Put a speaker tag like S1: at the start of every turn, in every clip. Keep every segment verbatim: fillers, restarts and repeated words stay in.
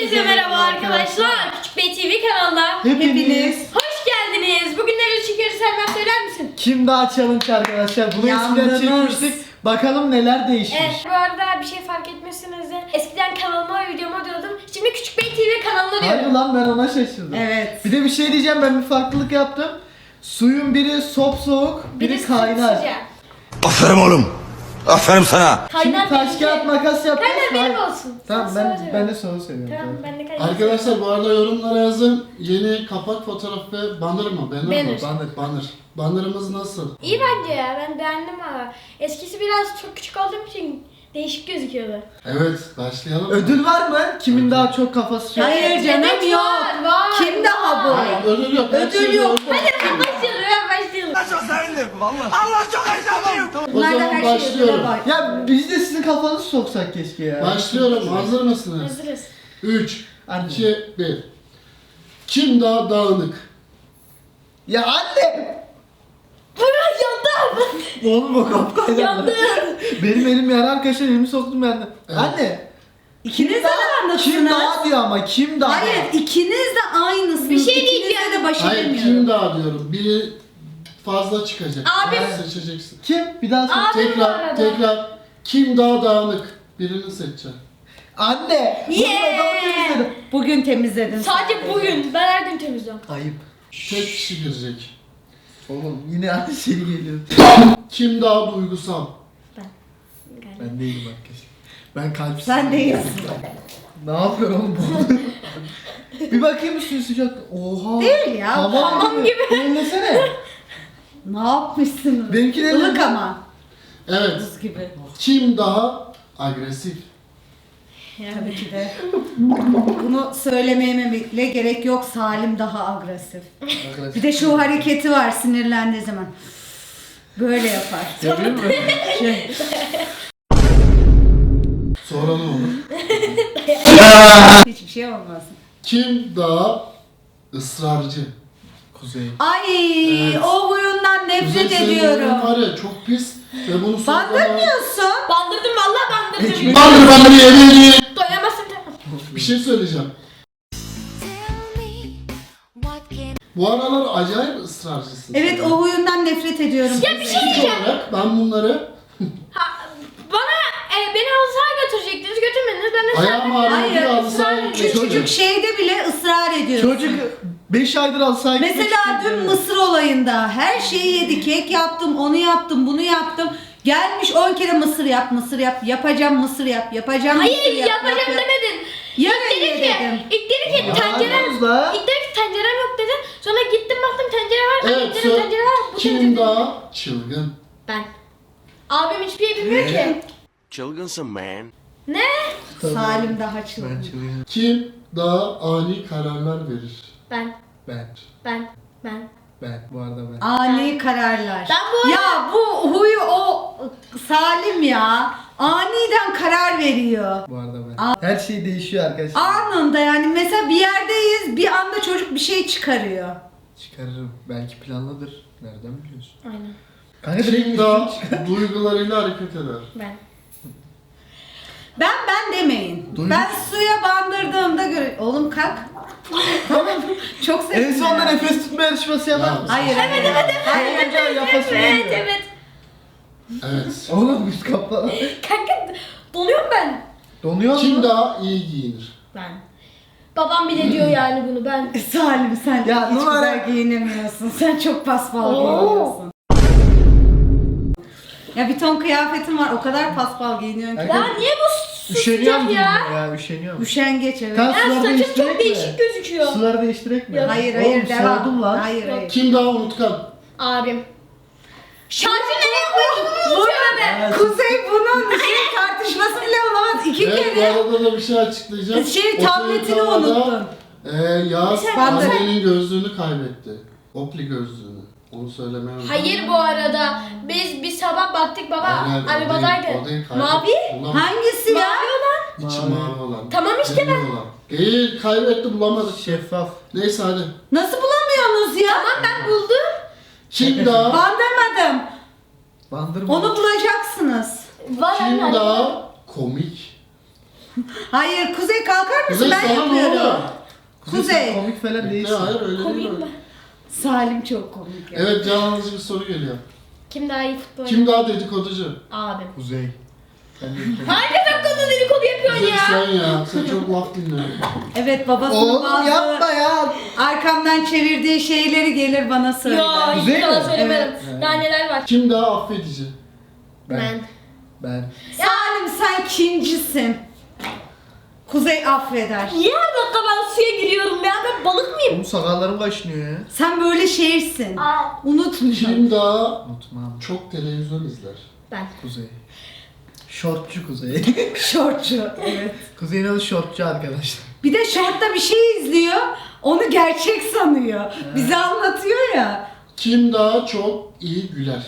S1: Hepinize merhaba arkadaşlar. Küçük Bey T V kanalına
S2: Hepiniz
S1: hoş geldiniz. Bugün neler çekiyoruz Selma, söyler misin?
S2: Kim Daha Challenge arkadaşlar. Bunu eskiden
S3: Yandınız.
S2: çekmiştik. Bakalım neler değişmiş.
S1: Evet, bu arada bir şey fark etmezseniz de eskiden kanalıma, videoma diyordum. Şimdi Küçük Bey T V kanalına
S2: Hayır
S1: diyorum.
S2: lan, ben ona şaşırdım.
S3: Evet.
S2: Bir de bir şey diyeceğim, ben bir farklılık yaptım. Suyun biri sop biri
S1: de
S2: kaynar.
S1: sıcak.
S4: Aferin oğlum. Aferin sana.
S2: Şimdi
S1: Kaynar
S2: taş
S1: benimki.
S2: kağıt makas yapacağız.
S1: Kaynar benim
S2: Hayır.
S1: olsun.
S2: Tamam,
S1: Sen
S2: ben
S1: söyle.
S2: ben de soru seviyorum.
S1: Tamam, ben de kaynar.
S5: Arkadaşlar bu arada yorumlara yazın. Yeni kapak fotoğraf ve banner mı? Banner,
S1: Banner.
S5: mı?
S2: Banner.
S5: Banner. Banner'ımız nasıl?
S1: İyi bence ya, ben beğendim ama. Eskisi biraz çok küçük olduğum için değişik gözüküyordu.
S5: Evet, başlayalım. mı?
S2: Ödül var mı? Kimin daha çok kafası şey?
S3: Hayır canım,
S1: Evet,
S3: yok.
S1: var, var,
S3: Kim daha bu?
S5: Hayır, ödül yok. her
S3: Ödül
S5: şeyde
S3: yok.
S5: ödül.
S1: Hadi ben başlayalım, ben başlayalım.
S4: Çok sevindim vallahi. Allah çok heyecanlıyım.
S5: O
S3: Bunlar da
S5: zaman
S3: her
S5: başlıyorum.
S3: şeyi bak.
S2: Ya biz de sizin kafanızı soksak keşke ya.
S5: Başlıyorum. Hazır mısınız?
S1: Hazırız.
S5: üç,
S2: Anne.
S5: iki, bir. Kim daha dağınık?
S2: Ya anne!
S1: Burak yandım.
S2: Oğlum o kapkaydı.
S1: Yandım.
S2: Benim elim yara arkadaşlar, elimi soktum yerden.
S5: Evet.
S2: Anne!
S3: İkiniz de
S2: Kim
S3: aynısınız.
S2: daha diyor ama kim daha?
S3: Hayır, ikiniz de aynısınız.
S1: Bir şey
S3: İkinize
S1: diyeceğim.
S3: de baş
S5: Hayır,
S3: edemiyorum.
S5: kim daha diyorum. Biri fazla çıkacak.
S1: Abim.
S5: Sen seçeceksin.
S2: Kim? Bir daha sor.
S1: Abim bu
S5: Tekrar,
S1: arada.
S5: tekrar. Kim daha dağınık? Birini seçeceğim.
S2: Anne!
S1: Yeah!
S2: Bunu da temizledim.
S3: Bugün temizledin.
S1: Sadece bugün. Ben her gün temizliyorum.
S2: Ayıp.
S5: Tek kişi girecek.
S2: Oğlum yine aynı şey geliyor.
S5: Kim daha duygusal?
S2: Ben değilim arkadaşlar. Ben kalpsiz.
S3: Sen değilsin.
S2: Ne yapıyorsun oğlum bu? Bir bakayım üstüne sıcak. Oha.
S3: Değil ya,
S2: Hamam gibi. Ellesene.
S3: Ne yapmışsınız?
S2: Benimki de
S3: Ilık
S2: öyle.
S3: ama.
S5: Evet.
S3: Buz gibi.
S5: Kim daha agresif?
S3: Tabii ki de. Bunu söylememe bile gerek yok. Salim daha agresif. Bir de şu hareketi var sinirlendiği zaman. Böyle yapar.
S2: Yapıyor mu?
S3: Şey.
S5: Sonra ne olur?
S3: Hiçbir şey olmaz.
S5: Kim daha ısrarcı?
S2: Kuzey.
S3: Ay,
S5: Evet.
S3: o huyundan nefret
S5: Kuzey, senin
S3: ediyorum.
S5: oyunun var ya çok pis ve bunu sonra...
S3: Bandırmıyorsun.
S1: Bandırdım, vallahi bandırdım.
S2: Ekmek-
S5: Bandır bandır yemeğini.
S1: Doyamazsın.
S5: Bir şey söyleyeceğim. Bu aralar acayip ısrarcısın.
S3: Evet,
S5: sen.
S3: o huyundan nefret ediyorum.
S1: Ya bir şey
S5: İlk
S1: diyeceğim.
S5: olarak ben bunları
S1: Ha, bana e, beni halı sahaya götürecektiniz, götürmediniz. Ben de
S5: ayağım
S1: sen...
S5: ağrıyor diye halı sahaya
S3: Küçücük
S5: götürdüm.
S3: şeyde bile ısrar ediyorsun.
S2: Çocuk beş aydır alsaydı.
S3: Mesela dün mısır olayında her şeyi yedi. Kek yaptım, onu yaptım, bunu yaptım. Gelmiş on kere mısır yap, mısır yap, yapacağım mısır yap, yapacağım mısır
S1: Hayır,
S3: yap.
S1: yapacağım
S3: yap, yap.
S1: demedin.
S3: Ya
S1: İlk dedi
S3: öyle
S1: ki,
S3: dedim.
S1: ilk dedi ki
S2: Ya
S1: tencerem,
S2: yalnız la.
S1: ilk dedi ki tencerem yok dedin. Sonra gittim baktım tencere var.
S5: Evet,
S1: Evet,
S5: sor-
S1: tencere var. Bu
S5: kim
S1: tencere-
S5: daha çılgın?
S1: Ben. Abim hiçbir şey bilmiyor ki.
S4: Çılgınsın man.
S1: Ne?
S3: Salim daha çılgın.
S2: Ben çılgınım.
S5: Kim daha ani kararlar verir?
S1: Ben.
S2: Ben.
S1: Ben. Ben.
S2: Ben. Bu arada ben.
S3: Ani kararlar.
S1: Ben bu arada-
S3: Ya bu huyu o Salim ya. Aniden karar veriyor.
S2: Bu arada ben. Her şey değişiyor arkadaşlar.
S3: Anında yani mesela bir yerdeyiz bir anda çocuk bir şey çıkarıyor.
S2: Çıkarırım. Belki planlıdır. Nereden biliyorsun?
S1: Aynen.
S2: Kanka direkt
S5: Kim daha duygularıyla hareket eder?
S1: Ben.
S3: Ben ben demeyin.
S2: Duydum.
S3: Ben suya bandırdığımda göre... Oğlum kalk. Tamam. Çok sevdim.
S2: En sonunda
S3: ya.
S2: nefes tutma yarışması yapar
S5: Ya.
S2: mısın?
S3: Hayır evet evet evet.
S2: Hayır, evet, yapasın
S1: Evet,
S2: olmuyor.
S1: evet.
S5: Evet.
S2: Oğlum üst kapla.
S1: Kanka donuyorum ben.
S2: Donuyor mu?
S5: Kim daha iyi giyinir?
S1: Ben. Babam bile diyor yani bunu, ben.
S3: Salim sen
S2: Ya,
S3: hiç
S2: numara-
S3: güzel giyinemiyorsun. Sen çok paspal
S1: Oo.
S3: giyiniyorsun. Ya bir ton kıyafetin var o kadar paspal giyiniyorsun ki.
S2: Kanka,
S1: Ya niye bu su
S2: Üşeniyorum
S1: sıcak ya?
S2: ya. ya üşeniyorum.
S3: Üşengeç evet.
S2: Kan
S1: Ya
S2: suları
S1: saçım
S2: değiştirek
S1: çok
S2: mi?
S1: değişik gözüküyor.
S2: Suları değiştirek mi?
S1: Ya,
S3: Hayır
S2: Oğlum,
S3: hayır devam.
S2: soğudum lan.
S3: Hayır hayır.
S5: Kim daha unutkan?
S1: Abim. Şarjı nereye koyduğumu unutuyor be.
S2: Evet.
S3: Kuzey bunun şey tartışması bile olamaz. İki
S5: Evet, bu
S3: kere.
S5: arada da bir şey açıklayacağım.
S3: Şey,
S5: Otel
S3: tabletini
S5: tavada,
S3: unuttun.
S5: Ee, Yaz
S1: Ben
S3: de-
S5: annenin gözlüğünü kaybetti. Opli gözlüğünü. Onu söylemeye unuttum.
S1: Hayır bu arada. Biz bir sabah baktık baba
S5: Hayır, hayır, o
S1: arabadaydı.
S5: değil, o değil, kaybetti.
S1: Mavi?
S5: Bulam-
S3: Hangisi ya?
S1: Mavi olan.
S5: İçi
S2: Mavi.
S5: mavi olan.
S1: Tamam işte
S5: Demir
S1: ben-
S5: olan. Değil, kaybetti bulamadık.
S2: Şeffaf.
S5: Neyse hadi.
S3: Nasıl bulamıyorsunuz ya?
S1: Tamam ben buldum.
S5: Kim daha
S3: Bandırmadım.
S2: Bandırma.
S3: Onu bulacaksınız.
S1: Var
S5: kim
S1: anne.
S5: daha komik?
S3: Hayır Kuzey kalkar mısın?
S5: Kuzey
S3: Ben
S5: sana ne
S3: yapıyorum.
S5: oluyor?
S3: Kuzey.
S2: sen komik falan
S5: Bekle,
S2: değilsin.
S5: hayır öyle
S1: Komik
S5: değil.
S1: mi?
S5: öyle.
S3: Salim çok komik ya.
S5: Evet can alıcı bir soru geliyor.
S1: Kim daha iyi futbol
S5: Kim daha dedikoducu?
S1: Abim.
S2: Kuzey. Sen de
S1: Hangi dakikada dedikodu yapıyorsun
S5: Kuzey
S1: ya?
S5: sen ya. Sen çok laf dinliyorsun.
S3: Evet babasının
S2: Oğlum
S3: bazı
S2: yapma ya.
S3: arkamdan çevirdiği şeyleri gelir bana söyler.
S1: Ya hiç
S2: Kuzey
S1: yalan
S2: mi?
S1: söylemedim.
S2: Evet.
S1: Daha neler var?
S5: Kim daha affedici?
S1: Ben.
S2: Ben.
S3: Salim sen kincisin. Kuzey affeder.
S1: Niye her dakika ben suya giriyorum ya? Ben balık mıyım?
S2: Oğlum sakallarım kaşınıyor ya.
S3: Sen böyle şeysin.
S1: Aa.
S3: Unutmayacağım.
S5: Kim daha
S2: Unutmam.
S5: çok televizyon izler?
S1: Ben.
S2: Kuzey. Şortçu Kuzey.
S3: Şortçu. Evet.
S2: Kuzey'in adı şortçu arkadaşlar.
S3: Bir de şortta bir şey izliyor. Onu gerçek sanıyor. Bize anlatıyor ya.
S5: Kim daha çok iyi güler?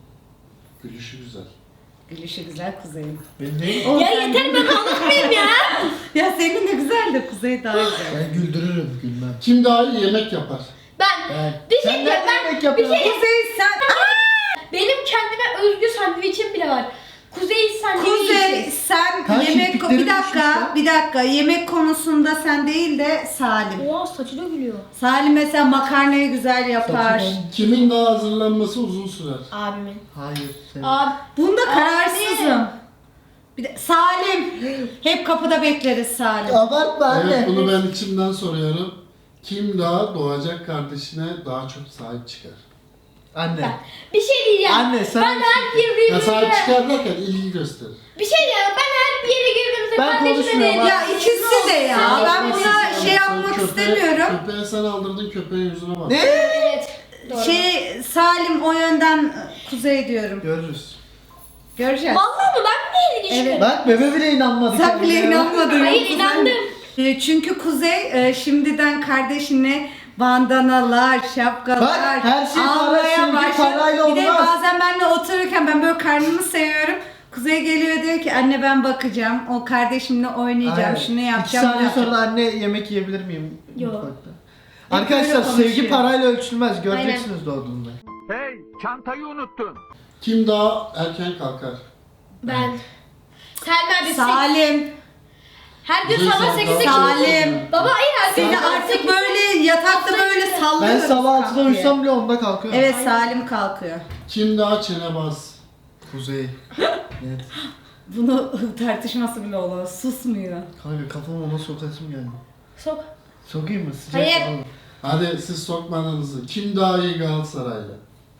S5: Gülüşü güzel.
S3: Gülüşü güzel Kuzey'in.
S2: Ben değil.
S3: O
S1: Ya
S3: sen-
S1: yeter ben balık mıyım ya?
S3: Ya senin de güzel de Kuzey daha güzel.
S2: Ben güldürürüm gülmem.
S5: Kim daha iyi yemek yapar?
S1: Ben.
S2: Ben.
S1: Bir şey
S2: Sen
S1: diyeceğim
S2: nereden
S1: ben.
S2: yemek
S1: Bir
S2: yapıyorsun?
S1: şey.
S3: Kuzey sen...
S1: Benim kendime özgü sandviçim bile var. Kuzey sandviçi.
S3: Kuzey sen
S2: Kanka,
S3: yemek...
S2: kirpiklerin
S3: Bir dakika,
S2: düşmüş
S3: bir dakika. Yemek konusunda sen değil de Salim.
S1: Oha saçı dökülüyor.
S3: Salim mesela makarnayı güzel yapar.
S2: Saçı
S5: Kimin daha hazırlanması uzun sürer?
S1: Abimin.
S2: Hayır. Sen.
S1: Abi.
S3: Bunda
S1: Abi.
S3: kararsızım. Bir de Salim. Hep kapıda bekleriz Salim.
S2: Abartma anne.
S5: Evet bunu ben içimden soruyorum. Kim daha doğacak kardeşine daha çok sahip çıkar?
S2: Anne.
S1: Ben. Bir şey diyeceğim.
S2: Anne sen.
S1: Ben her yere
S5: Ya sahip
S1: girdiğimde.
S5: çıkar derken ilgi gösterir.
S1: Bir şey diyeceğim. Ben her bir yere girdiğimde
S2: Ben
S1: kardeşime
S2: konuşmuyorum
S1: dedim.
S2: abi.
S3: Ya ikisi de ya.
S5: Sen
S3: Ben
S5: yapmazsın,
S3: buna
S5: sen
S3: şey
S5: yapmazsın.
S3: yapmak
S5: Köpeğe-
S3: istemiyorum.
S5: Köpeğe sen aldırdın köpeğin yüzüne bak.
S2: Ne?
S1: Evet. Doğru.
S3: Şey Salim o yönden Kuzey diyorum.
S2: Görürüz.
S3: Göreceğiz.
S1: Vallahi mı? Ben mi ilgi
S3: Evet.
S2: Bak bebe bile inanmadı.
S3: Sen bile
S2: kendine.
S3: inanmadın.
S1: Hayır
S3: Kuzey.
S1: inandım.
S3: E, Çünkü Kuzey e, şimdiden kardeşine bandanalar, şapkalar
S2: Bak, her şey para,
S3: almaya
S2: sevgi
S3: başladı.
S2: parayla
S3: Bir de
S2: olmaz.
S3: bazen benimle otururken ben böyle karnımı seviyorum. Kuzey geliyor diyor ki anne ben bakacağım. O kardeşimle oynayacağım.
S2: Aynen.
S3: Şunu
S2: İki
S3: yapacağım.
S2: saniye
S3: yapacağım.
S2: sonra anne yemek yiyebilir miyim?
S1: Yok.
S2: Mutfakta.
S3: Hep
S2: Arkadaşlar
S3: öyle konuşuyor.
S2: sevgi parayla ölçülmez. Göreceksiniz doğduğunda.
S4: Hey, çantayı unuttun.
S5: Kim daha erken kalkar?
S1: Ben. Sen neredesin?
S3: Salim.
S1: Her gün
S5: Kuzey
S1: sabah
S5: sen
S1: sekizde
S5: daha-
S3: Salim.
S1: Baba hayır her gün
S3: Seni
S1: sabah
S3: artık
S1: sekizde.
S3: böyle yatakta böyle
S2: Ben
S3: sallıyoruz.
S2: sabah altıda
S3: kalk diye.
S2: uyusam bile onda kalkıyorum.
S3: Evet Salim kalkıyor.
S5: Kim daha çenebaz?
S2: Kuzey. Evet.
S3: Bunu tartışması bile olur. Susmuyor.
S2: Kanka kafama ona sokasım geldi.
S1: Sok.
S2: Sokayım mı? Sıcak
S1: Hayır.
S2: falan.
S5: Hadi siz sokmanızı. Kim daha iyi Galatasaraylı?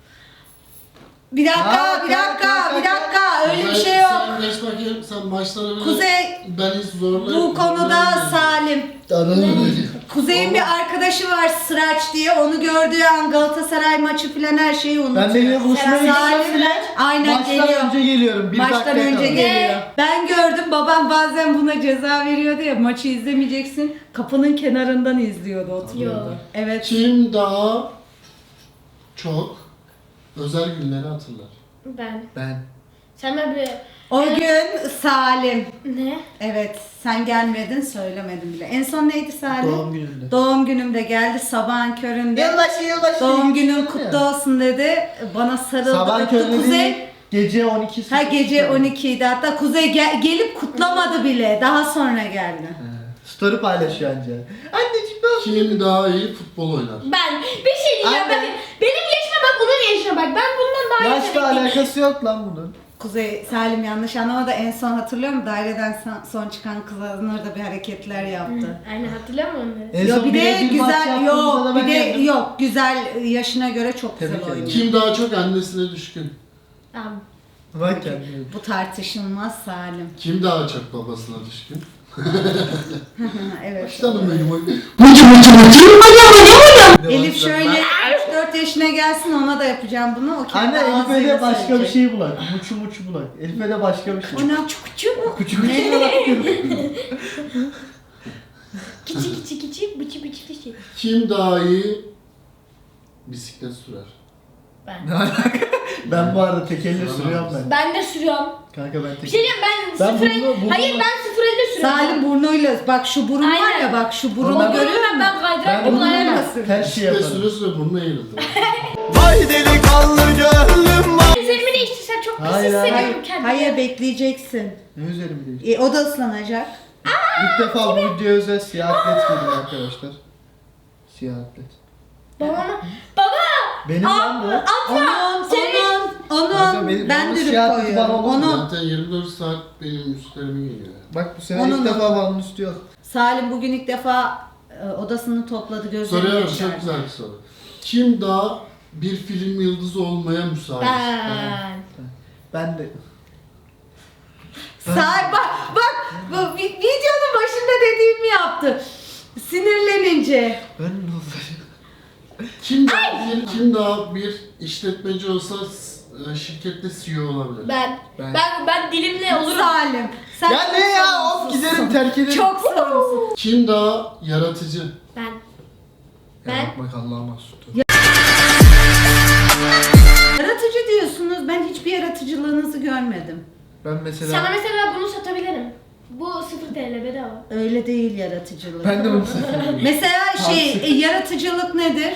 S3: Bir dakika,
S2: Kalk,
S3: bir
S2: kalk,
S3: dakika,
S2: kalk,
S3: bir
S2: kalk.
S3: dakika. Öyle bir
S5: Kuzey,
S3: şey yok.
S5: Sen geç bakayım sen maçları bile...
S3: Kuzey,
S5: Ben hiç zorla...
S3: bu konuda
S5: zorlayamıyorum.
S3: Salim.
S2: Anladım.
S3: Kuzey'in bir arkadaşı var Sıraç diye. Onu gördüğü an Galatasaray maçı falan her şeyi unutuyor.
S2: Ben benimle buluşmaya
S3: Salim
S2: gitsem bile
S3: aynen
S2: maçtan
S3: geliyor.
S2: önce geliyorum. Bir
S3: Maçtan
S2: dakika
S3: önce
S2: kala.
S3: geliyor. Ben gördüm babam bazen buna ceza veriyordu ya maçı izlemeyeceksin. Kapının kenarından izliyordu oturuyordu.
S1: Yo.
S3: Evet.
S5: Kim daha çok özel günleri hatırlar?
S1: Ben.
S2: Ben.
S1: Sen ben bir...
S3: O gün Salim.
S1: Ne?
S3: Evet sen gelmedin söylemedin bile. En son neydi Salim?
S2: Doğum gününde.
S3: Doğum günümde geldi sabahın köründe.
S2: Yılbaşı yılbaşı.
S3: Doğum günün
S2: günün
S3: kutlu olsun dedi. Bana sarıldı.
S2: Sabah
S3: öptü.
S2: köründe
S3: Kuzey.
S2: değil, gece on iki.
S3: Ha gece on ikiydi hatta Kuzey gel- gelip kutlamadı bile. Daha sonra geldi.
S2: Story paylaşıyor anca. Anneciğim ne oldu?
S5: Kim daha iyi futbol oynar?
S1: Ben. Bir şey diyeceğim.
S2: Anne.
S1: Ben, benim yaşıma bak onun yaşına bak. Ben bundan daha
S2: Yaşla
S1: yetenekliyim.
S2: alakası yok lan bunun.
S3: Kuzey Salim yanlış anlamadı. En son hatırlıyor musun? Daireden son- son çıkan kızlar da bir hareketler yaptı.
S1: Aynen hatırlıyor musun onları?
S2: En
S3: Yo
S2: son
S3: bir de
S2: birebir maç
S3: güzel
S2: yaptığımızda
S3: yok
S2: da
S3: bir
S2: ben
S3: de
S2: yendim.
S3: yok güzel yaşına göre çok
S2: Tebrik
S3: güzel
S2: ederim.
S3: oynuyor.
S5: Kim daha çok annesine düşkün?
S1: Tamam.
S2: Bak kendine.
S3: Bu tartışılmaz Salim.
S5: Kim daha çok babasına düşkün?
S3: Evet.
S5: Canım benim.
S3: Elif şöyle üç dört yaşına gelsin ona da yapacağım bunu. O kendi
S2: Anne Elif'e
S3: ağzıyla
S2: de başka bir
S3: söyleyecek.
S2: şey bulak. Muçu muçu bulak. Elif'e de başka bir şey.
S3: O ne çukuçu mu?
S2: Küçük küçük bulak.
S1: Kiçi kiçi kiçi bıçı bıçı bıçı.
S5: Kim daha iyi bisiklet sürer?
S1: Ben.
S2: Ben bu arada tekerle sürüyorum ben.
S1: Ben de sürüyorum.
S2: Kanka ben
S1: Bir şey
S2: tekerle.
S1: diyeyim ben,
S2: Ben
S1: sıfır
S2: bunu- bunu-
S1: Hayır ben sıfır elde sürüyorum.
S3: Salim burnuyla bak şu burun var
S1: Aynen.
S3: ya bak şu burunu
S2: Ondan-
S3: görüyor
S1: Görüyorum
S3: musun?
S1: ben kaydırak
S2: Ben
S1: gibi
S2: bunu
S1: ayarım.
S2: her şey
S5: Bisiklet
S2: yaparım.
S5: süre süre burnuna eğrildi.
S2: Vay delikanlı gönlüm var.
S1: Üzerimi değiştirsem çok pis
S2: Hayır, hayır.
S1: hissediyorum
S3: Hayır,
S1: kendimi.
S3: hayır bekleyeceksin.
S2: Ne üzerim değil.
S3: E, o da ıslanacak.
S2: İlk defa bu videoya özel siyah atlet giydim arkadaşlar. Siyah atlet.
S1: Babama. Baba!
S2: Benim lan bu.
S3: Onun,
S1: Senin-
S3: onun,
S2: Kanka
S3: onun.
S2: benim-
S3: Ben
S2: onun
S3: dürüp
S2: siyah tipi
S3: koyuyorum.
S2: bana olmaz mı?
S3: Onun.
S5: Zaten yirmi dört saat benim üstlerime geliyor.
S2: Bak bu sene
S3: Onun-
S2: ilk defa balon üstü yok.
S3: Salim bugün ilk defa e, odasını topladı, gözlerini
S5: Soruyorum,
S3: yaşardı.
S5: çok güzel bir soru. Kim daha bir film yıldızı olmaya müsait?
S1: Ben.
S2: Ben de.
S3: Salim bak bak bu vi- videonun başında dediğimi yaptı. Sinirlenince.
S2: Ben ne olacak?
S5: Kim daha, bir, kim daha bir işletmeci olsa e, şirkette C E O olabilir?
S1: Ben.
S2: Ben.
S1: Ben ben dilimle olurum.
S3: Salim. Sen
S2: Ya ne ya? Of giderim terk ederim.
S3: Çok sorumsuz.
S5: Kim daha yaratıcı?
S1: Ben.
S2: Ben.
S1: Ben-
S2: Bak Allah'a mahsus.
S3: Yaratıcı diyorsunuz. Ben hiçbir yaratıcılığınızı görmedim.
S2: Ben mesela...
S1: Sana mesela bunu satabilirim. Bu sıfır T L bedava.
S3: Öyle değil yaratıcılık.
S2: Ben de bunu seviyorum.
S3: Mesela şey
S2: Tavsiye.
S3: e, yaratıcılık nedir?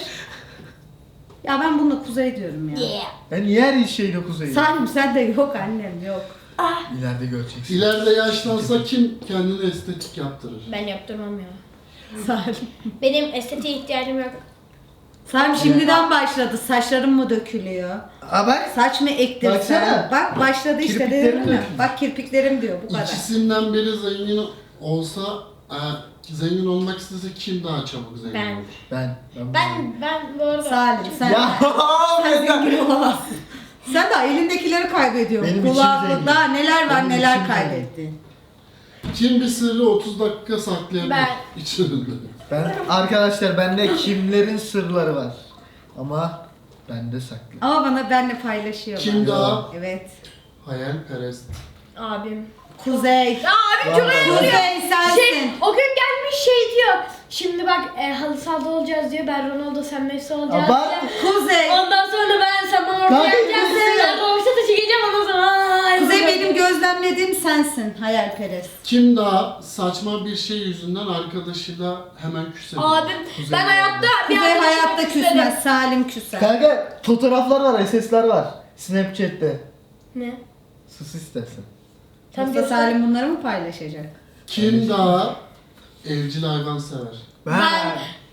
S3: Ya ben buna kuzey diyorum ya.
S1: Yeah.
S2: Ben niye her şeyle kuzeyim?
S3: Salim sen de yok annem yok.
S2: İleride göreceksin.
S5: İleride yaşlansa kim kendine estetik yaptırır?
S1: Ben yaptırmam ya.
S3: Salim.
S1: Benim estetiğe ihtiyacım yok.
S3: Salim şimdiden başladı. Saçlarım mı dökülüyor?
S2: Aa bak.
S3: Saç mı ektirsen?
S2: Baksana.
S3: Bak başladı işte
S2: Kirpiklerim
S3: dedim mi?
S2: dökülüyor.
S3: Bak kirpiklerim diyor bu kadar.
S5: İkisinden biri zengin olsa, e, zengin olmak istese kim daha çabuk zengin
S1: Ben.
S5: olur?
S2: Ben. Ben.
S1: Ben ben bu arada.
S3: Salim sen,
S2: Ya.
S3: sen zengin olamazsın. Sen daha elindekileri kaybediyorsun.
S2: Benim içim
S3: Kulağında
S2: zengin.
S3: daha neler var
S2: Benim
S3: neler
S2: içim
S3: kaybettin.
S5: Kim bir sırrı otuz dakika saklayabilir
S1: Ben.
S5: içinde?
S2: Ben arkadaşlar bende kimlerin sırları var. Ama bende saklı.
S3: Ama bana benle paylaşıyorlar.
S5: Kim daha
S3: Evet.
S5: hayalperest?
S1: Abim.
S3: Kuzey.
S1: Ya abim çok
S2: Vallahi.
S1: eğleniyor.
S3: Kuzey sensin.
S1: Şey, o gün gelmiş şey diyor. Şimdi bak e, halı sahada olacağız diyor. Ben Ronaldo sen Messi olacağız
S2: Abart.
S1: diyor.
S3: Kuzey.
S1: Ondan sonra ben sen bana ortaya
S2: Kanka,
S1: geleceğim.
S2: Kuzey.
S1: Ben Roşat'a çekeceğim ondan sonra. Ay,
S3: Kuzey
S1: Kuzey.
S3: benim gözlemlediğim sensin hayalperest.
S5: Kim daha saçma bir şey yüzünden arkadaşıyla hemen küsebilir?
S1: Abim
S2: Kuzey
S1: ben hayatta bir
S3: Kuzey
S1: arkadaşıma
S3: hayatta
S1: küserim.
S3: küsmez. Salim küser.
S2: Kanka fotoğraflar var, S S'ler var. Snapchat'te.
S1: Ne?
S2: Sus istersen.
S1: Tam
S3: Yoksa
S1: göster.
S3: Salim bunları mı paylaşacak?
S5: Kim daha evcil hayvan sever?
S1: Ben-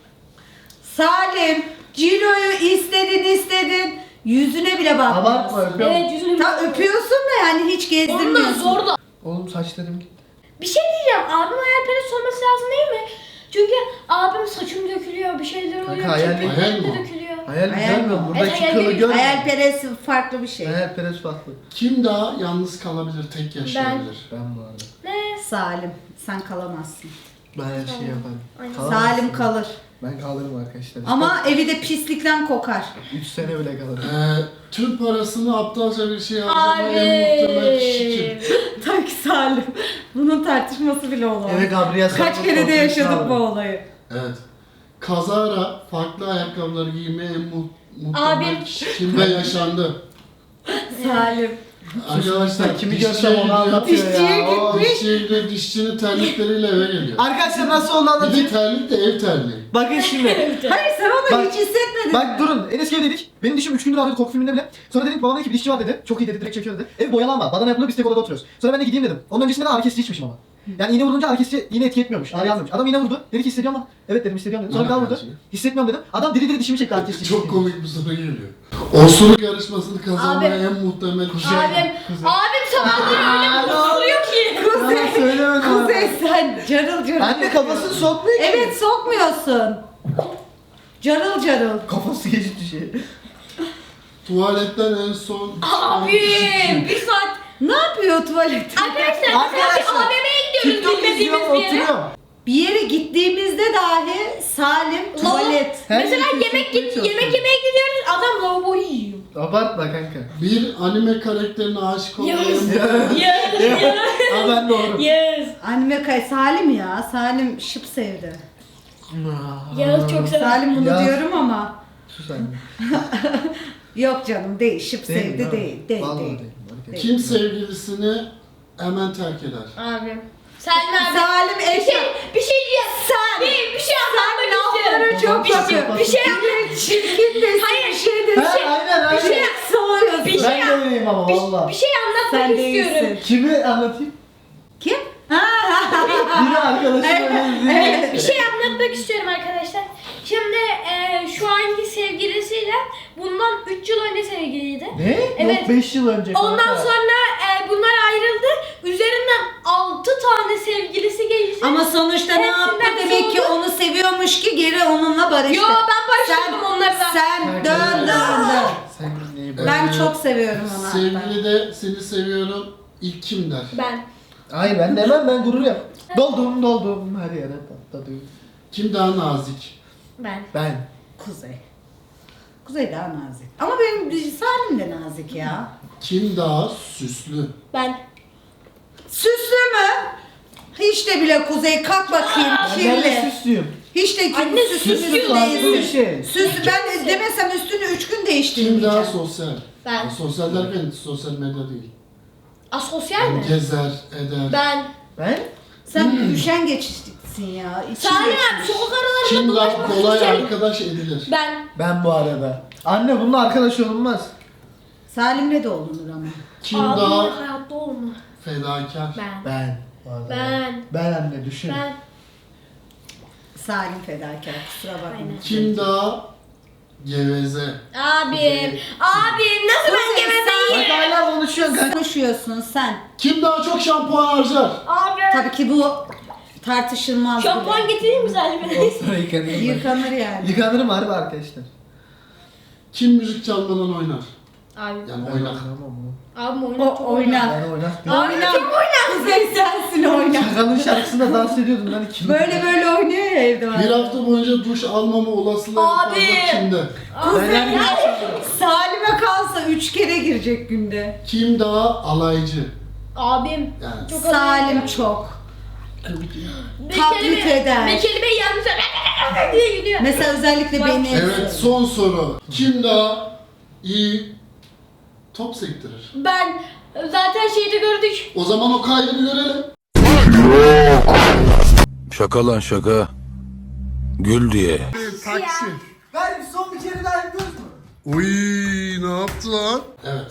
S3: Salim, Ciro'yu istedin istedin. Yüzüne bile
S2: Abartma
S3: bakmıyorsun.
S2: öpüyorum.
S1: Evet yüzünü
S3: Ta öpüyorsun da yani hiç
S1: Onunla
S3: gezdirmiyorsun.
S1: zor da.
S2: Oğlum saçlarım gitti.
S1: Bir şey diyeceğim. Abim hayalperest olması lazım değil mi? Çünkü abim saçım dökülüyor, bir şeyler oluyor.
S2: Kanka, hayal-
S1: kirpiklerim
S5: hayal
S1: de
S5: mi o?
S1: dökülüyor.
S2: Hayal
S3: Hayal
S2: görmüyor
S3: mi?
S2: musun? Buradaki
S1: Evet, hayal
S2: kılı
S1: değil.
S2: görmüyor musun?
S3: Hayalperest farklı bir şey.
S2: Hayalperest farklı.
S5: Kim daha yalnız kalabilir, tek yaşayabilir?
S2: Ben bu arada.
S1: Ne?
S3: Salim, sen kalamazsın.
S2: Ben her şeyi yaparım.
S1: Aynen.
S2: Kalamazsın.
S3: Salim kalır.
S2: Ben kalırım arkadaşlar.
S3: Ama evi de pislikten kokar.
S2: üç sene bile kalırım.
S5: Ee, tüm parasını aptalca bir şey harcamaya en muhtemel kişi kim?
S1: Abi.
S3: Tak Salim. Bunun tartışması bile olamaz.
S2: Eve Gabriel
S3: Kaç
S2: Sarko'nun
S3: kere de
S2: portresini
S3: yaşadık bu
S2: alırım.
S3: olayı.
S5: Evet. Kazara farklı ayakkabıları giymeye en mu muhtemel
S1: Abim.
S5: kişi kim ve yaşandı?
S3: Salim.
S5: Arkadaşlar
S2: Kimi
S5: dişçiye
S2: görsem onu
S5: gidiyor.
S2: anlatıyor
S3: Dişçiye
S2: ya. Oo.
S5: Dişçiye gidiyor, dişçinin terlikleriyle eve geliyor.
S2: Arkadaşlar nasıl oldu
S5: Bir de
S2: anlatayım.
S5: terlik de ev terliği.
S2: Bakın şimdi.
S3: Hayır sen onu
S2: Bak-
S3: hiç hissetmedin.
S2: Bak durun. Enes dedik. Benim dişim üç gündür ağrıyordu korku filminde bile. Sonra dedim babam dedi ki bir dişçi var dedi. Çok iyi dedi direkt çekiyor dedi. Ev boyalı ama badana yapılıyor biz tek odada oturuyoruz. Sonra ben de gideyim dedim. Onun öncesinde de ağrı kesici içmişim ama. Yani iğne vurunca ağrı kesici yine etki etmiyormuş. Ağrı almıyormuş. Adam iğne vurdu. Dedi ki hissediyor musun? Evet dedim hissediyorum dedim. Sonra bir daha vurdu.
S5: Arkadaşım.
S2: Hissetmiyorum dedim. Adam diri diri dişimi çekti ağrı kesici.
S5: Çok komik bir soru geliyor. Osuruk yarışmasını kazanmaya
S1: Abi.
S5: en muhtemel kişi.
S1: Abim, abim sabahları öyle bir oturuyor ki.
S2: Yalan söylemedim.
S3: Kuzey sen carıl carıl.
S2: Anne kafasını sokmuyor ki.
S3: Evet sokmuyorsun. Carıl carıl.
S2: Kafası geçti şey.
S5: Tuvaletten en son
S1: Abim, bir saat.
S3: Ne yapıyor tuvalette?
S1: Arkadaşlar biz bir
S2: Arkadaşlar,
S1: A V M'ye gidiyoruz
S2: TikTok
S1: bilmediğimiz
S2: izliyorum
S1: bir yere.
S2: oturuyorum.
S3: Bir yere gittiğimizde dahi Salim tuvalet.
S2: Her
S1: Mesela
S2: şeyi
S1: yemek
S2: kesinlikle
S1: git,
S2: çok
S1: yemek
S2: seviyorum.
S1: yemeye gidiyoruz. Adam lavabo yiyor.
S2: Abartma kanka.
S5: bir anime karakterine aşık olmaya
S1: Yes.
S5: en
S1: Yes. Yes.
S2: Ama ben doğru.
S1: Yes.
S3: Anime kay Salim ya. Salim şıp sevdi.
S1: Yağız çok sever.
S3: Salim bunu
S2: Ya.
S3: diyorum ama.
S2: Sus anne.
S3: Yok canım değil. Şıp
S2: Değil,
S3: sevdi
S2: değil mi?
S3: değil. Değil
S2: Vallahi
S3: değil.
S2: değil. Arkadaşlar.
S5: Kim sevgilisini hemen terk eder?
S1: Abim. Salim abi.
S3: Salim
S1: Bir şey,
S3: eşya.
S1: bir şey diyeceğim.
S3: Sen.
S1: Bir, bir şey anlatmak
S3: laflara
S1: istiyorum.
S3: çok
S1: bir şey,
S3: bakıyorsun.
S1: bir şey
S3: Çirkin desin.
S1: Hayır.
S3: Bir şey desin.
S2: Ha, aynen aynen.
S1: Bir şey,
S3: Soğuyorsun.
S1: bir şey,
S2: Ben de öyleyim ama
S1: bir,
S2: valla.
S1: bir şey anlatmak
S3: Sen
S1: istiyorum.
S3: değilsin.
S2: Kimi anlatayım?
S3: Kim? Ha, ha, ha,
S2: Yine arkadaşım öyle
S1: Bir
S2: değil.
S1: şey anlatmak istiyorum arkadaşlar. Şimdi e, şu anki sevgilisiyle bundan üç yıl önce sevgiliydi.
S2: Ne?
S1: Evet.
S2: Yok beş yıl önce.
S1: Ondan
S2: kanka.
S1: sonra e, bunlar ayrıldı. Üzerinden altı tane sevgilisi geçti.
S3: Ama sonuçta ne
S1: Hepsinden
S3: yaptı? Demek ki
S1: soğudu.
S3: onu seviyormuş ki geri onunla barıştı.
S1: Yo, ben barıştırdım
S3: Sen-
S1: onları da.
S3: Sen dön dön dön.
S2: Sen neyi bak-
S3: Ben
S5: Ee,
S3: çok seviyorum onu hatta.
S5: Sevgili de seni seviyorum. İlk kim der?
S1: Ben.
S2: Hayır ben demem, ben gurur yap. Doldum doldum her yere patladım.
S5: Kim daha nazik?
S1: Ben.
S2: Ben.
S3: Kuzey. Kuzey daha nazik. Ama benim Salim de nazik ya.
S5: Kim daha süslü?
S1: Ben.
S3: Süslü mü? Hiç de bile Kuzey kalk bakayım
S2: Ben de
S3: kirli.
S2: süslüyüm.
S3: Hiç de
S1: Anne,
S3: kirli süslü
S1: süslü
S3: müslü
S2: farklı bir
S3: değilsin.
S2: şey.
S3: Süslü ben de demesem üstünü üç gün
S5: Kim
S3: değiştirmeyeceğim.
S5: daha sosyal?
S1: Ben.
S5: Sosyal derken sosyal medya değil.
S1: Asosyal mi?
S5: Gezer, eder.
S1: Ben.
S2: Ben?
S3: Sen üşengeçsin ya. İçin
S1: Salim
S3: geçmiş.
S1: abi sokak aralarında
S5: Kim daha
S1: dolaşmak
S5: kolay
S1: isterim.
S5: arkadaş edilir?
S1: Ben.
S2: Ben bu arada. Anne bununla arkadaş olunmaz.
S3: Salim'le de olunur ama.
S5: Kim
S1: Abi
S5: daha
S1: hayatta olma.
S5: fedakar?
S1: Ben.
S2: Ben. vallahi.
S1: Ben.
S2: Ben anne düşün.
S1: Ben.
S3: Salim fedakar kusura bakma.
S1: Aynen.
S5: Kim daha geveze?
S1: Abim. Abim nasıl ben
S3: Kuzey,
S1: gevezeyim?
S2: Bak hala konuşuyorsun kanka.
S3: Konuşuyorsun sen.
S5: Kim daha çok şampuan harcar?
S1: Abi.
S3: Tabii ki bu tartışılmaz.
S1: Şampuan
S3: bile.
S1: getireyim mi Salim'e?
S2: Olsa yıkanırım. ben.
S3: Yıkanır yani.
S2: Yıkanırım harbi arkadaşlar.
S5: Kim müzik çalmadan oynar?
S1: Abi.
S5: Yani
S2: Ben
S5: oynar.
S2: oynamam onu.
S1: Abim oynar.
S3: O
S1: çok
S3: oynar.
S2: Ben oynatmıyorum.
S3: Oyna. Kuzey sensin oyna.
S2: Şakanın şarkısında dans ediyordum lan iki.
S3: Böyle böyle oynuyor ya evde var.
S5: Bir hafta boyunca duş almama olasılığı en
S1: Abi.
S5: fazla kimde?
S2: Ben her
S3: Salim'e kalsa üç kere girecek günde.
S5: Kim daha alaycı?
S1: Abim.
S5: Yani
S1: Çok
S3: Salim çok.
S1: Bir
S3: taklit
S1: kelime-
S3: eder.
S1: Bir kelimeyi yanlış diye gidiyor.
S3: Mesela özellikle beni.
S5: evet, son soru. Kim daha iyi top sektirir?
S1: Ben zaten şeyde gördük.
S5: O zaman o kaydı bir görelim.
S6: Şaka lan şaka. Gül diye.
S5: Taksi.
S2: Ben son bir kere daha yapıyoruz mu?
S5: Uy, ne yaptı lan? Evet.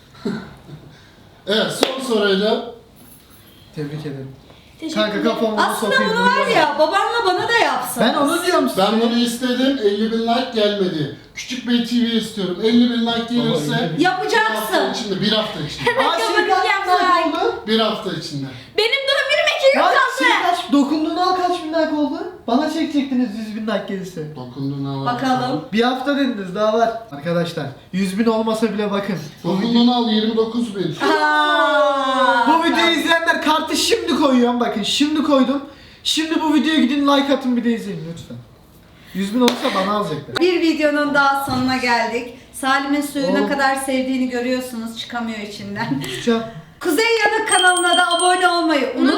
S5: evet, son soruyla
S2: Tebrik ederim.
S1: Teşekkür
S2: Kanka
S1: ederim.
S2: kafamı
S3: Aslında bunu var ya babanla bana da yapsan.
S2: Ben onu diyorum size.
S5: ben bunu istedim, elli bin like gelmedi. Küçük Bey T V istiyorum. elli bin like gelirse
S2: elli bin.
S5: bir hafta
S3: Yapacaksın.
S5: içinde, bir hafta içinde.
S2: Aa şimdi kaç
S1: Kapatacağım
S2: bin like oldu?
S5: bir hafta içinde.
S1: Benim doğum günüm iki gün
S2: Kaç,
S1: kaldı.
S2: şimdi kaç, dokunduğunu al kaç bin like oldu? Bana çekecektiniz yüz bin like gelirse.
S5: Dokunduğunu al.
S3: Bakalım.
S2: Bir hafta dediniz daha var. Arkadaşlar yüz bin olmasa bile bakın. Bu, video,
S5: Dokunduğunu al yirmi dokuz bin.
S3: Aa,
S2: bu videoyu izleyenler kartı şimdi koyuyorum bakın. Şimdi koydum. Şimdi bu videoya gidin like atın bir de izleyin lütfen. yüz bin olursa bana alacaklar.
S3: Bir videonun daha sonuna geldik. Salim'in suyu ne
S2: Oğlum.
S3: kadar sevdiğini görüyorsunuz. Çıkamıyor içinden.
S2: Tutacağım.
S3: Kuzey Yanık kanalına da abone olmayı unutmayın.